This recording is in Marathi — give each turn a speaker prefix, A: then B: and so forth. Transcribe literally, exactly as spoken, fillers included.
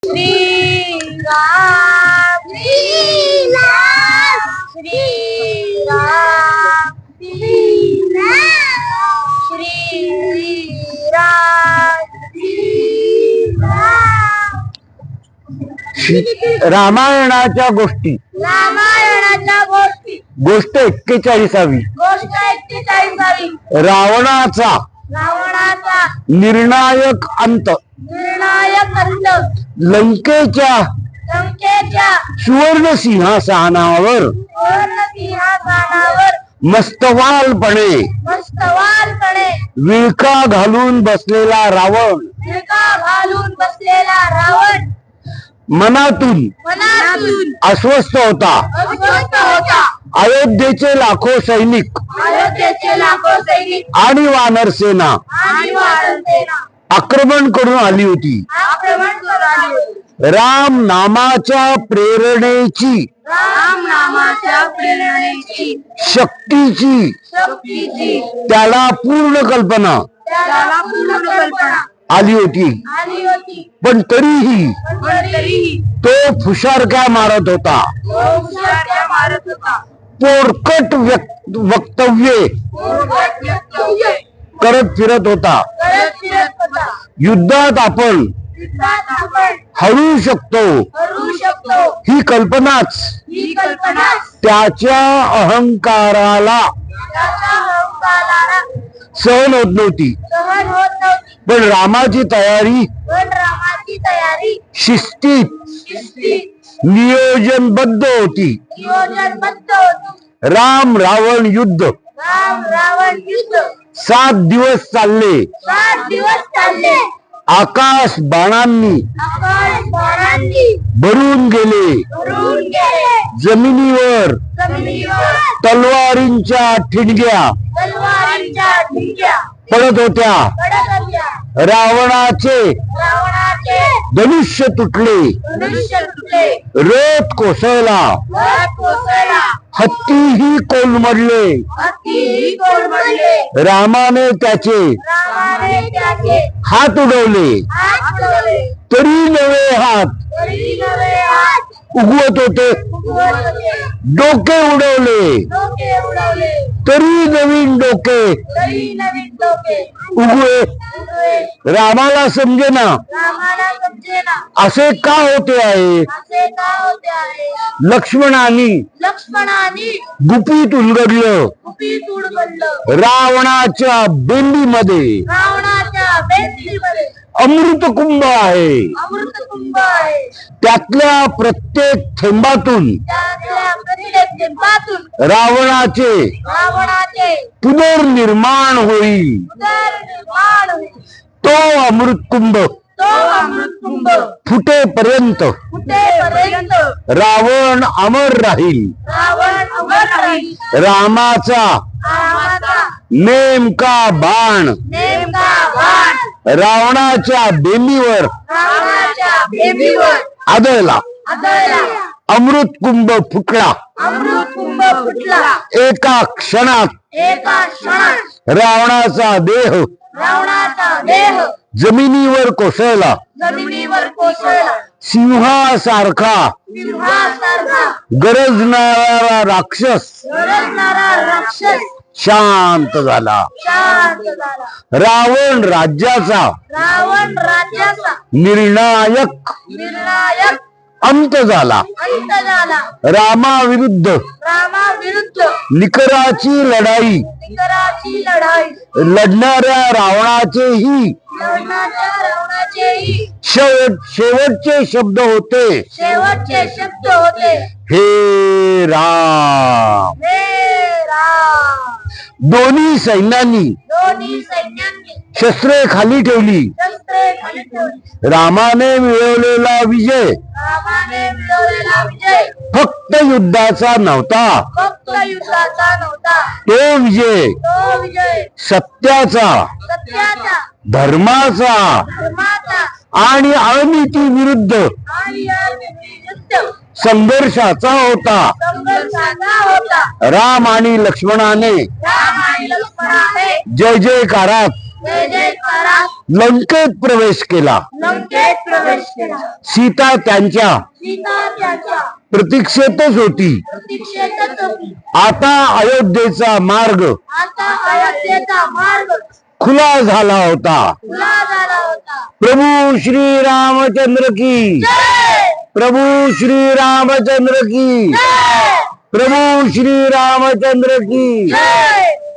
A: श्री राम श्री राम श्री राम श्री राम श्री राम
B: रामायणाच्या गोष्टी
A: रामायणाच्या गोष्टी
B: गोष्ट एक्केचाळीसावी
A: गोष्ट एक्केचाळीसावी
B: रावणाचा
A: रावणाचा
B: निर्णायक अंत
A: निर्णायक अंत
B: लंकेच्या
A: लंकेच्या
B: सुवर्ण सिंहासनावर
A: सुवर्ण सिंहासनावर
B: मस्तवालपणे
A: मस्तवालपणे
B: विळखा घालून बसलेला रावण
A: विळखा घालून बसलेला रावण
B: मनातून
A: मनातून
B: अस्वस्थ होता.
A: अस्वस्थ होता.
B: अयोध्येचे लाखो सैनिक
A: अयोध्येचे लाखो सैनिक
B: आणि वानर सेना
A: आणि वानरसेना
B: आक्रमण करून आली होती.
A: आक्रमण करून आली होती.
B: राम नामाच्या प्रेरणेची
A: राम नामाच्या प्रेरणेची
B: शक्तीची
A: शक्तीची
B: त्याला पूर्ण कल्पना
A: त्याला पूर्ण कल्पना
B: आली होती.
A: आली होती.
B: पण तरीही
A: पण तरीही
B: तो फुशारक्या मारत होता.
A: तो हुशारक्या मारत होता.
B: पोरकट व्यक्त- वक्तव्ये
A: पोरकट वक्तव्ये
B: करत फिरत होता.
A: करत फिरत होता.
B: युद्धात आपण
A: युद्धात आपण
B: हरू शकतो
A: करू शकतो
B: ही कल्पनाच
A: ही कल्पना
B: त्याच्या अहंकाराला
A: त्याच्या अहंकाराला
B: सहन होत नव्हती.
A: सहन होत नव्हती.
B: पण रामाची तयारी
A: पण रामाची तयारी
B: शिस्तीत
A: शिस्तीत
B: नियोजनबद्ध होती.
A: नियोजनबद्ध होती.
B: राम रावण युद्ध
A: राम रावण युद्ध
B: सात दिवस चालले.
A: सात दिवस चालले.
B: आकाश बाणांनी
A: आकाश बाणांनी
B: भरून गेले.
A: भरून गेले.
B: जमिनीवर
A: जमिनीवर
B: तलवारींच्या ठिणग्या
A: तलवारींच्या ठिणग्या
B: पडत होत्या.
A: पडत होत्या.
B: रावणाचे
A: रावणाचे
B: धनुष्य तुटले.
A: धनुष्य तुटले.
B: रथ कोसळला.
A: रथ कोसळला.
B: हत्तीही कोलमडले.
A: हत्तीही कोलमडले.
B: रामाने त्याचे
A: रामाने त्याचे
B: हात उडवले.
A: हात उडवले.
B: तरी नवे हात
A: तरी नवे हात
B: उगवत होते.
A: उगवत होते.
B: डोके उडवले.
A: डोके उडवले.
B: तरी नवीन डोके
A: तरी नवीन डोके
B: उगवे.
A: उगवे.
B: रामाला समजेना
A: रामाला समजेना
B: असे का होते आहे.
A: असे का होते आहे.
B: लक्ष्मणाने
A: लक्ष्मणाने
B: गुपित उलगडलं.
A: कुपीत उडवलं.
B: रावणाच्या बेंबीमध्ये
A: रावणाच्या बेंबीमध्ये
B: अमृत कुंभ आहे.
A: अमृत कुंभ आहे.
B: त्यातल्या प्रत्येक थेंबातून
A: त्यातल्या प्रत्येक थेंबातून
B: रावणाचे
A: रावणाचे
B: पुनर्निर्माण होईल.
A: उदरनिर्माण होईल.
B: तो अमृत कुंभ
A: तो अमृत कुंभ
B: फुटेपर्यंत
A: फुटेपर्यंत
B: रावण अमर राहील.
A: रावण अमर राहील.
B: रामाचा
A: रामाचा
B: नेमका बाण
A: नेमका बाण
B: रावणाच्या बेंबीवर
A: रावणाच्या बेंबीवर
B: आदळला.
A: आदळला.
B: अमृत कुंभ फुटला.
A: अमृत कुंभ फुटला.
B: एका क्षणात
A: एका क्षणात
B: रावणाचा देह
A: रावणाचा देह
B: जमिनीवर कोसळला.
A: जमिनीवर कोसळला.
B: सिंहासारखा
A: सिंहासारखा
B: गरजणारा राक्षस
A: गरजणारा राक्षस
B: शांत झाला.
A: शांत झाला.
B: रावण राज्याचा
A: रावण राज्याचा
B: निर्णायक
A: निर्णायक
B: अंत झाला.
A: अंत झाला.
B: रामाविरुद्ध
A: रामाविरुद्ध
B: निकराची लढाई
A: निकराची लढाई
B: लढणाऱ्या रावणाचेही
A: लढणाऱ्या रावणाचेही
B: शेवट शेवटचे शब्द होते,
A: शेवटचे शब्द होते,
B: हे राम.
A: हे राम.
B: दोन्ही सैन्यांनी
A: दोन्ही सैन्यांनी
B: शस्त्रे खाली ठेवली.
A: शस्त्रे खाली ठेवली.
B: रामाने मिळवलेला विजय
A: रामाने मिळवलेला विजय
B: फक्त युद्धाचा नव्हता,
A: फक्त युद्धाचा नव्हता.
B: तो विजय
A: तो विजय
B: सत्याचा,
A: सत्याचा,
B: धर्माचा
A: धर्माचा
B: आणि अनिती विरुद्ध
A: आणि विरुद्ध
B: संघर्षाचा होता.
A: संघर्षाचा होता.
B: राम आणि लक्ष्मणाने
A: राम आणि लक्ष्मणाने
B: जय जयकारात
A: जय जयकारात
B: लंकेत प्रवेश केला.
A: लंकेत प्रवेश केला.
B: सीता त्यांच्या
A: सीता त्याच्या
B: प्रतीक्षेतच होती.
A: प्रतीक्षेतच होती.
B: आता अयोध्येचा मार्ग
A: आता अयोध्येचा मार्ग
B: खुला झाला होता.
A: खुला झाला होता.
B: प्रभू श्री रामचंद्र की
A: जय
B: प्रभू श्री रामचंद्र की
A: जय
B: प्रभू श्री रामचंद्र की
A: जय